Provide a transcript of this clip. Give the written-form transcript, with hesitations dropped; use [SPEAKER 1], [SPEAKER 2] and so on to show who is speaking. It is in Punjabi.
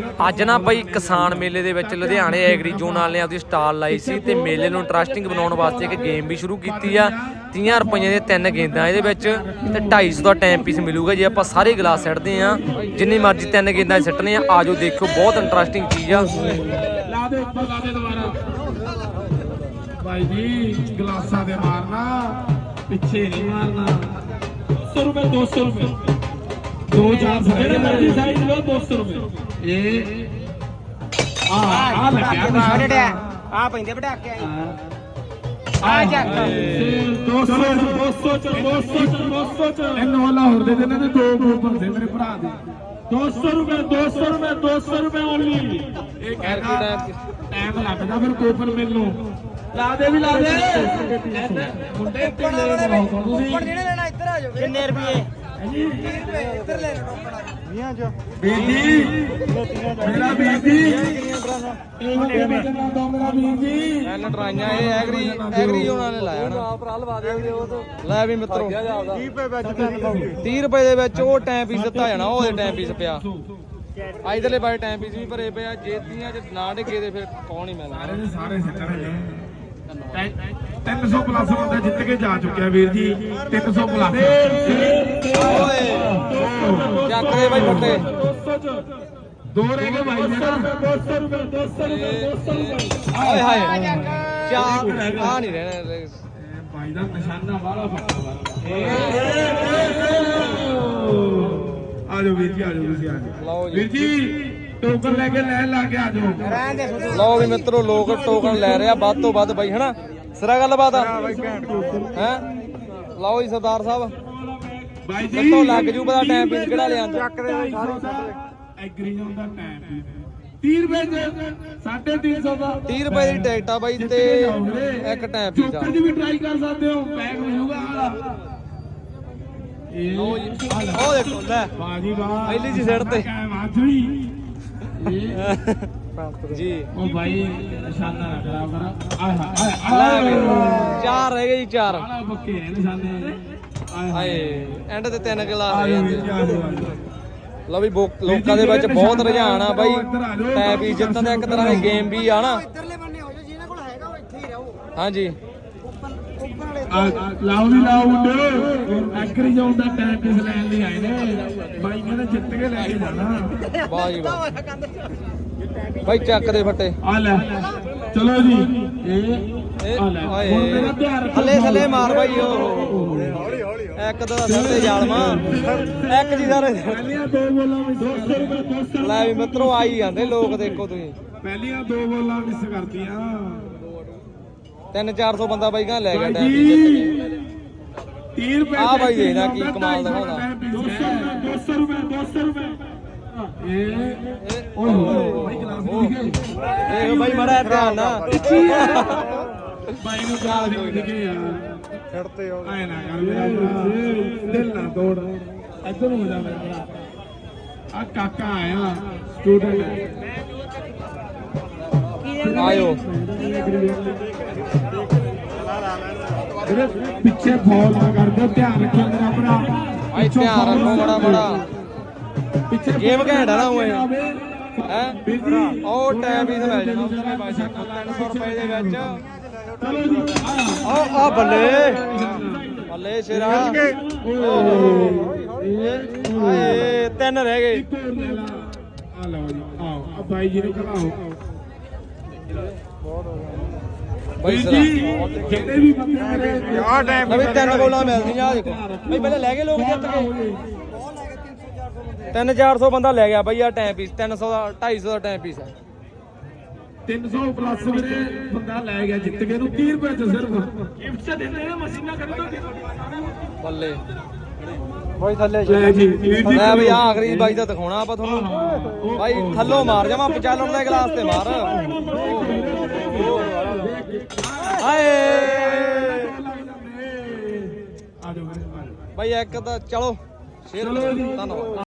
[SPEAKER 1] ਅੱਜ ਨਾ ਬਈ ਕਿਸਾਨ ਮੇਲੇ ਦੇ ਵਿੱਚ ਲੁਧਿਆਣੇ ਐਗਰੀ ਜ਼ੋਨ ਵਾਲਿਆਂ ਨੇ ਆਪਦੀ ਸਟਾਲ ਲਾਈ ਸੀ ਤੇ ਮੇਲੇ ਨੂੰ ਇੰਟਰਸਟਿੰਗ ਬਣਾਉਣ ਵਾਸਤੇ ਇੱਕ ਗੇਮ ਵੀ ਸ਼ੁਰੂ ਕੀਤੀ ਆ। 30 ਰੁਪਈਆਂ ਦੀਆਂ 3 ਗੇਂਦਾਂ ਇਹਦੇ ਵਿੱਚ ਤੇ 250 ਦਾ ਟਾਈਮ ਪੀਸ ਮਿਲੂਗਾ ਜੇ ਆਪਾਂ ਸਾਰੇ ਗਲਾਸ ਸਿੱਟਦੇ ਆ। ਜਿੰਨੀ ਮਰਜ਼ੀ 3 ਗੇਂਦਾਂ ਸਿੱਟਣੇ ਆ। ਆਜੋ ਦੇਖੋ, ਬਹੁਤ ਇੰਟਰਸਟਿੰਗ ਚੀਜ਼ ਆ।
[SPEAKER 2] ਲਾ ਦੇ ਉੱਪਰ, ਲਾ ਦੇ ਦੁਬਾਰਾ ਭਾਈ ਜੀ। ਗਲਾਸਾਂ ਦੇ ਮਾਰਨਾ, ਪਿੱਛੇ ਨਹੀਂ ਮਾਰਨਾ। 200 रुपए 200 रुपए 2-4 ਜਿਹੜੇ ਮਰਜ਼ੀ ਸਾਈਜ਼ ਲਓ 200 रुपए। ਇਹ ਆ ਲੱਗਿਆ
[SPEAKER 3] ਆ ਪੈਂਦੇ ਪਟਾਕੇ
[SPEAKER 2] ਆ ਜਾ 200 ਇਹਨੂੰ ਵਾਲਾ ਹੋਰ ਦੇ ਦੇਣਾ ਤੇ ਦੋ ਕੂਪਨ ਦੇ ਮੇਰੇ ਭਰਾ ਦੇ। 200 रुपए 200 रुपए 200 रुपए ਓਨਲੀ। ਇਹ ਕਹਿੰਦਾ ਟਾਈਮ ਲੱਗਦਾ ਫਿਰ ਕੂਪਨ ਮੈਨੂੰ ਲਾ ਦੇ ਵੀ ਲਾ ਦੇ। ਮੁੰਡੇ ਢਿੱਲੇ ਬਣਾਓ ਤੁਸੀਂ।
[SPEAKER 3] ਉੱਪਰ ਜਿਹੜੇ ਲੈਣਾ ਇੱਧਰ ਆ ਜਾਓ। ਕਿੰਨੇ ਰੁਪਏ? 30 ਰੁਪਏ ਇੱਧਰ ਲੈ ਲਓ ਟੋਕਣਾ 20 ਚ।
[SPEAKER 2] ਵੀਰ ਜੀ ਮੇਰਾ ਵੀਰ ਜੀ ਇਹੋ ਜਿਹਾ ਬਚਣਾ ਦੋ ਮੇਰਾ ਵੀਰ ਜੀ।
[SPEAKER 1] ਐ ਲਟਰਾਈਆਂ ਇਹ ਐਗਰੀ ਉਹਨਾਂ ਨੇ ਲਾਇਆ ਨਾ ਭਰਾ ਲਵਾ ਦੇ ਉਹ ਤੋਂ। ਲੈ ਵੀ ਮਿੱਤਰੋ
[SPEAKER 3] 30 ਰੁਪਏ ਵਿੱਚ
[SPEAKER 1] 30 ਰੁਪਏ ਦੇ ਵਿੱਚ ਉਹ ਟਾਈਮ ਪੀਸ ਦਿੱਤਾ ਜਾਣਾ। ਉਹਦੇ ਟਾਈਮ ਪੀਸ ਪਿਆ ਇਧਰਲੇ ਬਾਰੇ ਟਾਈਮ ਪੀਸ ਵੀ ਭਰੇ ਪਿਆ। ਜੇ 30 ਚ ਨਾ ਡਿੱਗੇ ਤੇ ਫਿਰ ਕੌਣ ਹੀ ਮਿਲਣਾ।
[SPEAKER 2] ਸਾਰੇ ਸਿੱਟਣੇ 300 ਪਲੱਸ ਬੰਦਾ ਜਿੱਤ ਕੇ ਜਾ ਚੁੱਕਿਆ ਵੀਰ ਜੀ। 300 ਪਲੱਸ
[SPEAKER 1] ਓਏ ਚੱਕ ਦੇ ਬਾਈ ਫੱਟੇ।
[SPEAKER 2] 200 ਚ ਦੋ ਰਹਿ ਗਏ ਭਾਈ। 200 रुपए 200 रुपए 200 रुपए।
[SPEAKER 1] ਹਾਏ ਹਾਏ ਚਾਰ ਆ ਨਹੀਂ ਰਹਿਣਾ
[SPEAKER 2] ਭਾਈ ਦਾ ਨਿਸ਼ਾਨਾ ਵਾਲਾ ਫੱਟਾ। ਆ ਜਾਓ ਵੀਰ ਜੀ, ਆ ਜਾਓ ਤੁਸੀਂ ਆ ਜਾਓ ਵੀਰ ਜੀ। ਟੋਕਨ ਲੈ ਕੇ ਲੈਣ ਲਾ ਕੇ ਆ ਜਾਓ।
[SPEAKER 1] ਲਓ ਵੀ ਮਿੱਤਰੋ, ਲੋਕ ਟੋਕਨ ਲੈ ਰਿਹਾ ਵੱਧ ਤੋਂ ਵੱਧ ਬਾਈ ਹਨਾ। ਸਿਰਾ ਗੱਲਬਾਤ ਆ ਹੈ। ਲਓ ਜੀ ਸਰਦਾਰ ਸਾਹਿਬ
[SPEAKER 2] ਬਾਈ ਜੀ
[SPEAKER 1] ਕਿੱਥੋਂ ਲੱਗ ਜੂ ਪਤਾ ਟਾਈਮ ਪੀਸ ਕਿਹੜਾ ਲਿਆ।
[SPEAKER 2] ਚੱਕ ਦੇ ਐਗਰੀ ਜ਼ੋਨ ਦਾ ਟਾਈਮ 30 ਰੁਪਏ ਦੇ 350 ਦਾ
[SPEAKER 1] 30 ਰੁਪਏ ਦੀ ਟਿਕਟ ਆ ਬਾਈ ਤੇ ਇੱਕ ਟਾਈਮ ਪੀਸ ਆ।
[SPEAKER 2] ਚੋਕਰ ਦੀ ਵੀ ਟਰਾਈ ਕਰ ਸਕਦੇ ਹੋ। ਪੈਕ ਮਿਲੂਗਾ ਆਲਾ।
[SPEAKER 1] ਲਓ ਜੀ ਉਹ ਦੇਖੋ ਲੈ
[SPEAKER 2] ਵਾਹ ਜੀ ਵਾਹ।
[SPEAKER 1] ਪਹਿਲੀ ਜੀ ਸਿਰ ਤੇ
[SPEAKER 2] ਮਾਥੜੀ
[SPEAKER 1] ਜੀ।
[SPEAKER 2] ਉਹ ਭਾਈ ਨਿਸ਼ਾਨਾ ਨਾ ਖਰਾਬ ਕਰਾ।
[SPEAKER 1] ਲੈ ਵੀ ਚਾਰ ਰਹਿ ਗਏ ਜੀ, ਚਾਰ।
[SPEAKER 2] ਆਲਾ ਪੱਕੇ ਨੇ ਨਿਸ਼ਾਨੇ।
[SPEAKER 1] ਹਾਏ ਐਂਡ ਤੇ 3 ਗਲਾਸ ਰਹਿ ਜਾਂਦੇ। ਲਓ ਵੀ ਲੋਕਾਂ ਦੇ ਵਿੱਚ ਬਹੁਤ ਰੁਝਾਨ ਆ ਬਾਈ ਟਾਈਮ ਪੀਸ ਜਿੱਤਣ ਦਾ। ਇੱਕ ਤਰ੍ਹਾਂ ਦੀ ਗੇਮ ਵੀ ਆ ਨਾ।
[SPEAKER 3] ਇੱਧਰਲੇ ਬੰਨੇ ਹੋ ਜਾਓ। ਜਿਹਨਾਂ ਕੋਲ ਹੈਗਾ ਉਹ ਇੱਥੇ ਹੀ ਰਹੋ।
[SPEAKER 1] ਹਾਂਜੀ
[SPEAKER 3] ਉੱਪਰ ਵਾਲੇ
[SPEAKER 2] ਲਾਓ ਵੀ ਲਾਓ ਮੁੰਡੇ। ਐਗਰੀ ਜ਼ੋਨ ਦਾ ਟਾਈਮ ਪੀਸ ਲੈਣ ਲਈ ਆਏ ਨੇ ਬਾਈ। ਕਹਿੰਦੇ ਜਿੱਤ ਕੇ ਲੈ ਕੇ ਜਾਣਾ।
[SPEAKER 1] ਵਾਹ ਜੀ ਵਾਹ ਬਾਈ ਚੱਕ ਦੇ ਫੱਟੇ।
[SPEAKER 2] ਆ ਲੈ ਚਲੋ ਜੀ। ਇਹ ਆ ਲੈ ਹੁਣ ਮੇਰਾ ਧਿਆਨ ਰੱਖੋ।
[SPEAKER 1] ਥੱਲੇ ਥੱਲੇ ਮਾਰ ਬਾਈ। ਉਹ ਇੱਕ ਦੋ ਦਾ ਸਿਰ ਤੇ ਜਾਲਮਾ ਇੱਕ ਜੀ ਸਾਰੇ।
[SPEAKER 2] ਪਹਿਲੀਆਂ ਦੋ ਬੋਲਾਂ ਵਿੱਚ 200 ਰੁਪਏ 200।
[SPEAKER 1] ਲੈ ਵੀ ਮਿੱਤਰੋ ਆਈ ਜਾਂਦੇ ਲੋਕ, ਦੇਖੋ ਤੁਸੀਂ।
[SPEAKER 2] ਪਹਿਲੀਆਂ ਦੋ ਬੋਲਾਂ ਮਿਸ ਕਰਤੀਆਂ।
[SPEAKER 1] 300-400 ਬੰਦਾ ਬਾਈ ਗਾਂ ਲੈ ਗਿਆ
[SPEAKER 2] ਭਾਈ
[SPEAKER 1] ਟਾਈਮ
[SPEAKER 2] ਜੀ 30 ਰੁਪਏ
[SPEAKER 1] ਆ ਬਾਈ ਦੇਖਦਾ ਕੀ ਕਮਾਲ ਦਿਖਾਉਂਦਾ।
[SPEAKER 2] 200 ਰੁਪਏ 200 ਰੁਪਏ। ਇਹ ਓਏ ਭਾਈ ਗਲਾਸ ਦਿਖੇ।
[SPEAKER 1] ਇਹ ਬਾਈ ਮੜਾ ਧਿਆਨ ਨਾ
[SPEAKER 2] ਬਾਈ ਨੂੰ ਗਾਲ ਦਿਖੇ ਯਾਰ।
[SPEAKER 3] ਛੱਡਤੇ ਹੋ
[SPEAKER 2] ਆਏ ਨਾ ਕਰ ਮੇਰਾ ਭਰਾ, ਦਿਲ ਨਾ ਤੋੜ। ਇੱਧਰ ਨੂੰ ਹੋ ਜਾ ਮੇਰਾ ਭਰਾ। ਆ ਕਾਕਾ ਆਇਆ ਸਟੂਡੈਂਟ।
[SPEAKER 1] ਆਇਓ
[SPEAKER 2] ਵੀਰੇ ਪਿੱਛੇ ਫਾਲ ਨਾ ਕਰਦੇ। ਧਿਆਨ ਰੱਖਿਓ ਮੇਰਾ ਭਰਾ।
[SPEAKER 1] ਭਾਈ ਧਿਆਨ ਰੱਖੋ ਮੜਾ ਮੜਾ।
[SPEAKER 2] ਪਿੱਛੇ
[SPEAKER 1] ਗੇਮ ਘੈਂਟ ਆ ਨਾ ਓਏ ਹੈ।
[SPEAKER 2] ਵੀਰ ਜੀ
[SPEAKER 1] ਉਹ ਟਾਈਮ ਵੀ ਮਿਲ ਜਾਣਾ 300 ਰੁਪਏ ਦੇ ਵਿੱਚ।
[SPEAKER 2] ਚਲੋ ਜੀ
[SPEAKER 1] ਆ ਬੱਲੇ ਬੱਲੇ ਸ਼ੇਰਾ। ਓਏ 3 ਰਹਿ ਗਏ।
[SPEAKER 2] ਆ ਲਓ ਜੀ ਆਓ। ਆ ਬਾਈ ਜੀ ਨੂੰ ਕਢਾਓ।
[SPEAKER 1] ਬਾਈ
[SPEAKER 2] ਵੀਰ
[SPEAKER 1] ਸਰਾ
[SPEAKER 2] ਜੀ ਜਿਹੜੇ ਵੀ ਬੰਦੇ ਮੇਰੇ
[SPEAKER 3] ਆ ਟਾਈਮ
[SPEAKER 1] ਨਵੀਂ 3 ਗੋਲਾਂ ਮਿਲਦੀਆਂ ਆ ਦੇਖੋ ਬਈ। ਪਹਿਲੇ ਲੈ ਗਏ ਲੋਕ ਜਿੱਤ ਗਏ। 300-400 ਬੰਦਾ ਲੈ ਗਿਆ ਬਾਈ। ਆ ਟਾਈਮ ਪੀਸ 300 ਦਾ 250 ਦਾ ਟਾਈਮ ਪੀਸ ਹੈ।
[SPEAKER 2] 300 ਪਲੱਸ ਵੀਰੇ ਬੰਦਾ ਲੈ ਗਿਆ ਜਿੱਤ ਕੇ। ਨੂੰ 30 ਰੁਪਏ ਚ ਸਿਰਫ ਗਿਫਟ ਚ ਦਿੰਦੇ ਨੇ। ਮਸ਼ੀਨਾਂ ਖਰੀਦੋ
[SPEAKER 1] ਬੱਲੇ ਬਾਈ ਥੱਲੇ
[SPEAKER 2] ਲੈ ਜੀ
[SPEAKER 1] ਲੈ ਬਈ ਆ ਆਖਰੀ ਬਾਈ ਦਾ ਦਿਖਾਉਣਾ ਆਪਾਂ ਤੁਹਾਨੂੰ। ਬਾਈ ਥੱਲੋਂ ਮਾਰ ਜਾਵਾਂ 95 ਦੇ ਗਲਾਸ ਤੇ ਮਾਰ। ਹਾਏ
[SPEAKER 2] ਆ ਜਾਓ
[SPEAKER 1] ਬਾਈ ਇੱਕ ਤਾਂ ਚਲੋ ਸ਼ੇਰ ਧੰਨਵਾਦ।